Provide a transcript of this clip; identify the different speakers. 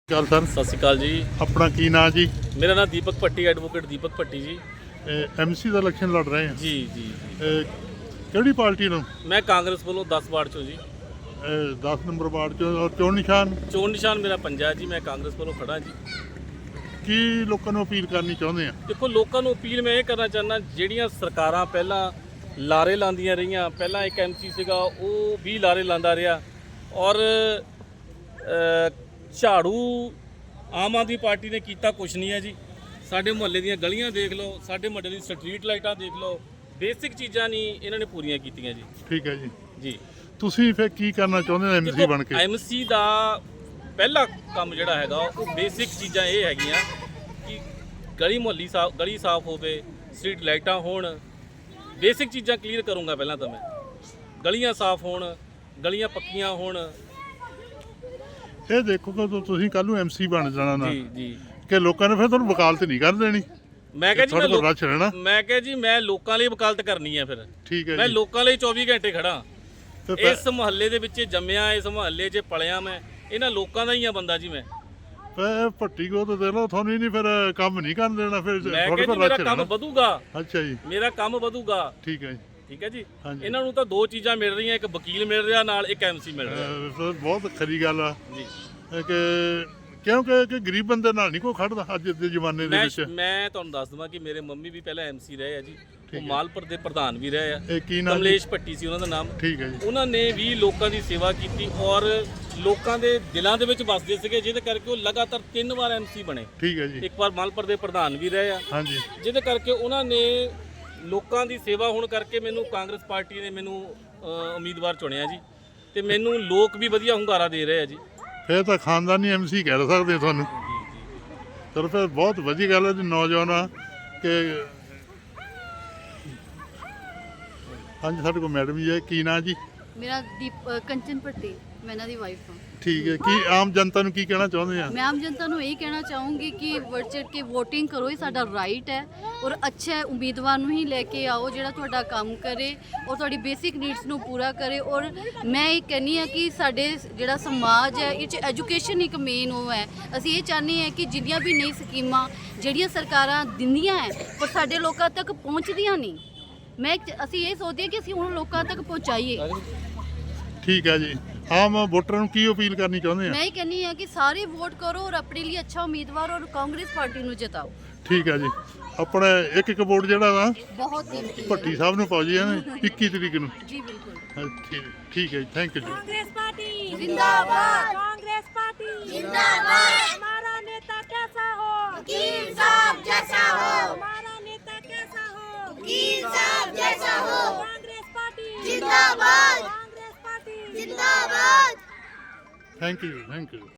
Speaker 1: ਗੱਲ ਸਰ
Speaker 2: ਸਤਿ ਸ਼੍ਰੀ ਅਕਾਲ ਜੀ।
Speaker 1: ਆਪਣਾ ਕੀ ਨਾਂ ਜੀ?
Speaker 2: ਮੇਰਾ ਨਾਮ ਦੀਪਕ ਭੱਟੀ, ਐਡਵੋਕੇਟ ਦੀਪਕ ਭੱਟੀ ਜੀ।
Speaker 1: ਐਮਸੀ ਦਾ ਇਲੈਕਸ਼ਨ ਲੜ ਰਹੇ ਆ
Speaker 2: ਜੀ ਜੀ
Speaker 1: ਕਿਹੜੀ ਪਾਰਟੀ ਨੂੰ?
Speaker 2: ਮੈਂ ਕਾਂਗਰਸ ਵੱਲੋਂ 10 ਵਾਰਡ ਚੋਂ ਜੀ।
Speaker 1: 10 ਨੰਬਰ ਵਾਰਡ ਚੋਂ। ਔਰ ਚੋਣ ਨਿਸ਼ਾਨ
Speaker 2: ਚੋਣ ਨਿਸ਼ਾਨ ਮੇਰਾ ਪੰਜਾ ਜੀ। ਮੈਂ ਕਾਂਗਰਸ ਵੱਲੋਂ ਖੜਾ ਜੀ।
Speaker 1: ਕੀ ਲੋਕਾਂ ਨੂੰ ਅਪੀਲ ਕਰਨੀ ਚਾਹੁੰਦੇ ਆ?
Speaker 2: ਦੇਖੋ, ਲੋਕਾਂ ਨੂੰ ਅਪੀਲ ਮੈਂ ਇਹ ਕਰਨਾ ਚਾਹੁੰਦਾ, ਜਿਹੜੀਆਂ ਸਰਕਾਰਾਂ ਪਹਿਲਾਂ ਲਾਰੇ ਲਾਉਂਦੀਆਂ ਰਹੀਆਂ, ਪਹਿਲਾਂ ਇੱਕ ਐਮਸੀ ਸੀਗਾ ਉਹ ਵੀ ਲਾਰੇ ਲਾਉਂਦਾ ਰਿਹਾ, ਔਰ ਝਾੜੂ ਆਮ ਆਦਮੀ ਪਾਰਟੀ ਨੇ ਕੀਤਾ ਕੁਛ ਨਹੀਂ ਹੈ ਜੀ। ਸਾਡੇ ਮੁਹੱਲੇ ਦੀਆਂ ਗਲੀਆਂ ਦੇਖ ਲਓ, ਸਾਡੇ ਮੁਹੱਲੇ ਦੀ ਸਟਰੀਟ ਲਾਈਟਾਂ ਦੇਖ ਲਓ, ਬੇਸਿਕ ਚੀਜ਼ਾਂ ਨਹੀਂ ਇਹਨਾਂ ਨੇ ਪੂਰੀਆਂ ਕੀਤੀਆਂ ਜੀ।
Speaker 1: ਠੀਕ ਹੈ ਜੀ।
Speaker 2: ਜੀ
Speaker 1: ਤੁਸੀਂ ਫਿਰ ਕੀ ਕਰਨਾ ਚਾਹੁੰਦੇ ਹੋ ਐਮਸੀ ਬਣ ਕੇ?
Speaker 2: ਐਮਸੀ ਦਾ ਪਹਿਲਾ ਕੰਮ ਜਿਹੜਾ ਹੈਗਾ ਉਹ ਬੇਸਿਕ ਚੀਜ਼ਾਂ ਇਹ ਹੈਗੀਆਂ ਕਿ ਗਲੀ ਸਾਫ਼ ਹੋਵੇ, ਸਟਰੀਟ ਲਾਈਟਾਂ ਹੋਣ, ਬੇਸਿਕ ਚੀਜ਼ਾਂ ਕਲੀਅਰ ਕਰੂੰਗਾ। ਪਹਿਲਾਂ ਤਾਂ ਮੈਂ ਗਲੀਆਂ ਸਾਫ਼ ਹੋਣ, ਗਲੀਆਂ ਪੱਕੀਆਂ ਹੋਣ।
Speaker 1: ਇਹ ਦੇਖੋ ਕਿ ਤੁਸੀਂ ਕੱਲ ਨੂੰ ਐਮਸੀ ਬਣ ਜਾਣਾ ਨਾ
Speaker 2: ਜੀ ਜੀ
Speaker 1: ਕਿ ਲੋਕਾਂ ਨੇ ਫਿਰ ਤੁਹਾਨੂੰ ਵਕਾਲਤ ਨਹੀਂ ਕਰ ਦੇਣੀ।
Speaker 2: ਮੈਂ ਕਿਹਾ ਜੀ
Speaker 1: ਮੈਂ
Speaker 2: ਕਿਹਾ ਜੀ ਮੈਂ ਲੋਕਾਂ ਲਈ ਵਕਾਲਤ ਕਰਨੀ ਹੈ। ਫਿਰ
Speaker 1: ਠੀਕ ਹੈ
Speaker 2: ਮੈਂ
Speaker 1: ਜੀ।
Speaker 2: ਲੋਕਾਂ ਲਈ 24 ਘੰਟੇ ਖੜਾ।
Speaker 1: ਤੇ
Speaker 2: ਇਸ ਮੁਹੱਲੇ ਦੇ ਵਿੱਚ ਜੰਮਿਆ, ਇਸ ਮੁਹੱਲੇ 'ਚ ਪਲਿਆ, ਮੈਂ ਇਹਨਾਂ ਲੋਕਾਂ ਦਾ ਹੀ ਆ ਬੰਦਾ ਜੀ। ਮੈਂ
Speaker 1: ਭੱਟੀ ਕੋ ਤਾਂ ਦੇ ਲਓ, ਤੁਹਾਨੂੰ ਹੀ ਨਹੀਂ ਫਿਰ ਕੰਮ ਨਹੀਂ ਕਰਨ ਦੇਣਾ। ਫਿਰ
Speaker 2: ਮੈਂ ਕਿਹਾ ਜੀ ਮੇਰਾ ਕੰਮ ਵਧੂਗਾ।
Speaker 1: ਅੱਛਾ ਜੀ,
Speaker 2: ਮੇਰਾ ਕੰਮ ਵਧੂਗਾ।
Speaker 1: ਠੀਕ ਹੈ ਜੀ।
Speaker 2: ਠੀਕ ਹੈ ਜੀ।
Speaker 1: ਹਾਂਜੀ।
Speaker 2: ਇਹਨਾਂ ਨੂੰ ਤਾਂ ਦੋ ਚੀਜ਼ਾਂ ਮਿਲ ਰਹੀਆਂ, ਇੱਕ ਵਕੀਲ ਮਿਲ ਰਿਹਾ, ਨਾਲ ਇੱਕ ਐਮਸੀ ਮਿਲ ਰਿਹਾ
Speaker 1: ਸਰ ਬਹੁਤ ਖਰੀ ਗੱਲ ਆ
Speaker 2: ਜੀ।
Speaker 1: ਕਿਉਂਕਿ ਗਰੀਬ ਬੰਦੇ ਨਾਲ ਨਹੀਂ ਕੋਈ ਖੜਦਾ ਅੱਜ ਦੇ ਜ਼ਮਾਨੇ ਦੇ ਵਿੱਚ।
Speaker 2: ਮੈਂ ਤੁਹਾਨੂੰ ਦੱਸ ਦਵਾਂ ਕਿ ਮੇਰੇ ਮੰਮੀ ਵੀ ਪਹਿਲਾਂ ਐਮਸੀ ਰਹੇ ਆ ਜੀ। ਉਹ ਮਾਲਪੁਰ ਦੇ ਪ੍ਰਧਾਨ ਵੀ ਰਹੇ ਆ।
Speaker 1: ਇਹ ਕੀ ਨਾਮ?
Speaker 2: ਕਮਲੇਸ਼ ਭੱਟੀ ਸੀ ਉਹਨਾਂ ਦਾ ਨਾਮ।
Speaker 1: ਠੀਕ ਹੈ ਜੀ।
Speaker 2: ਉਹਨਾਂ ਨੇ ਵੀ ਲੋਕਾਂ ਦੀ ਸੇਵਾ ਕੀਤੀ ਔਰ ਲੋਕਾਂ ਦੇ ਦਿਲਾਂ ਦੇ ਵਿੱਚ ਵੱਸਦੇ ਸੀਗੇ, ਜਿਹਦੇ ਕਰਕੇ ਉਹ ਲਗਾਤਾਰ 3 ਵਾਰ ਐਮਸੀ ਬਣੇ।
Speaker 1: ਠੀਕ ਹੈ ਜੀ।
Speaker 2: ਇੱਕ ਵਾਰ ਮਾਲਪੁਰ ਦੇ ਪ੍ਰਧਾਨ ਵੀ ਰਹੇ ਆ।
Speaker 1: ਹਾਂਜੀ।
Speaker 2: ਜਿਹਦੇ ਕਰਕੇ ਉਹਨਾਂ ਨੇ ਲੋਕਾਂ ਦੀ ਸੇਵਾ ਹੋਣ ਕਰਕੇ ਮੈਨੂੰ ਕਾਂਗਰਸ ਪਾਰਟੀ ਨੇ ਮੈਨੂੰ ਉਮੀਦਵਾਰ ਚੁਣਿਆ ਜੀ। ਤੇ ਮੈਨੂੰ ਲੋਕ ਵੀ ਵਧੀਆ ਹੁੰਗਾਰਾ ਦੇ ਰਹੇ ਆ ਜੀ।
Speaker 1: ਫਿਰ ਤਾਂ ਖਾਨਦਾਨੀ ਐਮਸੀ ਕਹਿ ਸਕਦੇ ਤੁਹਾਨੂੰ। ਚਲੋ ਫਿਰ ਬਹੁਤ ਵਧੀਆ ਗੱਲ ਹੈ ਜੀ। ਨੌਜਵਾਨ ਆ ਕਿ ਹਾਂਜੀ, ਸਾਡੇ ਕੋਲ ਮੈਡਮ ਜੀ ਹੈ। ਕੀ ਨਾਂ ਜੀ?
Speaker 3: ਮੇਰਾ ਕੰਚਨ ਭੱਟੀ, ਮੈਂ ਇਹਨਾਂ ਦੀ ਵਾਈਫ ਹਾਂ।
Speaker 1: ਠੀਕ ਹੈ। ਕੀ ਆਮ ਜਨਤਾ ਨੂੰ ਕੀ ਕਹਿਣਾ ਚਾਹੁੰਦੇ ਆ?
Speaker 3: ਮੈਂ ਆਮ ਜਨਤਾ ਨੂੰ ਇਹ ਕਹਿਣਾ ਚਾਹੂੰਗੀ ਕਿ ਵੱਧ ਚੜ੍ਹ ਕੇ VOTING ਕਰੋ, ਇਹ ਸਾਡਾ ਰਾਈਟ ਹੈ। ਔਰ ਅੱਛਾ ਉਮੀਦਵਾਰ ਨੂੰ ਹੀ ਲੈ ਕੇ ਆਓ ਜਿਹੜਾ ਤੁਹਾਡਾ ਕੰਮ ਕਰੇ ਔਰ ਤੁਹਾਡੀ ਬੇਸਿਕ ਨੀਡਸ ਨੂੰ ਪੂਰਾ ਕਰੇ। ਔਰ ਮੈਂ ਇਹ ਕਹਿੰਦੀ ਹਾਂ ਕਿ ਸਾਡੇ ਜਿਹੜਾ ਸਮਾਜ ਹੈ ਇਹ 'ਚ ਐਜੂਕੇਸ਼ਨ ਇੱਕ ਮੇਨ ਉਹ ਹੈ। ਅਸੀਂ ਇਹ ਚਾਹੁੰਦੇ ਹਾਂ ਕਿ ਜਿੰਨੀਆਂ ਵੀ ਨਈ ਸਕੀਮਾਂ ਜਿਹੜੀਆਂ ਸਰਕਾਰਾਂ ਦਿੰਦੀਆਂ ਹੈ ਪਰ ਸਾਡੇ ਲੋਕਾਂ ਤੱਕ ਪਹੁੰਚਦੀਆਂ ਨਹੀਂ, ਅਸੀਂ ਇਹ ਸੋਚਦੇ ਹਾਂ ਕਿ ਅਸੀਂ ਹੁਣ ਲੋਕਾਂ ਤੱਕ ਪਹੁੰਚਾਈਏ।
Speaker 1: ਠੀਕ ਹੈ ਜੀ। ਆਮ ਵੋਟਰਾਂ ਨੂੰ ਕੀ ਅਪੀਲ ਕਰਨੀ ਚਾਹੁੰਦੇ ਆ?
Speaker 3: ਮੈਂ ਇਹ ਕਹਿੰਦੀ ਹਾਂ ਕਿ ਸਾਰੇ ਵੋਟ ਕਰੋ ਔਰ ਆਪਣੇ ਲਈ ਅੱਛਾ ਉਮੀਦਵਾਰ ਔਰ ਕਾਂਗਰਸ ਪਾਰਟੀ ਨੂੰ ਜਿਤਾਓ।
Speaker 1: ਠੀਕ ਹੈ ਜੀ। ਆਪਣੇ ਇੱਕ ਵੋਟ ਜਿਹੜਾ ਵਾ
Speaker 3: ਬਹੁਤ ਕੀਮਤੀ ਹੈ।
Speaker 1: ਭੱਟੀ ਸਾਹਿਬ ਨੂੰ ਪਾਓ ਜੀ 21 ਤਰੀਕ ਨੂੰ।
Speaker 3: ਜੀ ਬਿਲकुल।
Speaker 1: ठीक है, थैंक यू जी।
Speaker 4: कांग्रेस पार्टी
Speaker 3: जिंदाबाद।
Speaker 4: कांग्रेस पार्टी
Speaker 3: जिंदाबाद।
Speaker 4: हमारा नेता कैसा हो?
Speaker 3: वकील साहब जैसा हो।
Speaker 4: हमारा नेता कैसा हो?
Speaker 3: वकील साहब जैसा हो।
Speaker 4: कांग्रेस पार्टी
Speaker 3: जिंदाबाद।
Speaker 4: कांग्रेस पार्टी
Speaker 3: जिंदाबाद।
Speaker 1: Thank you.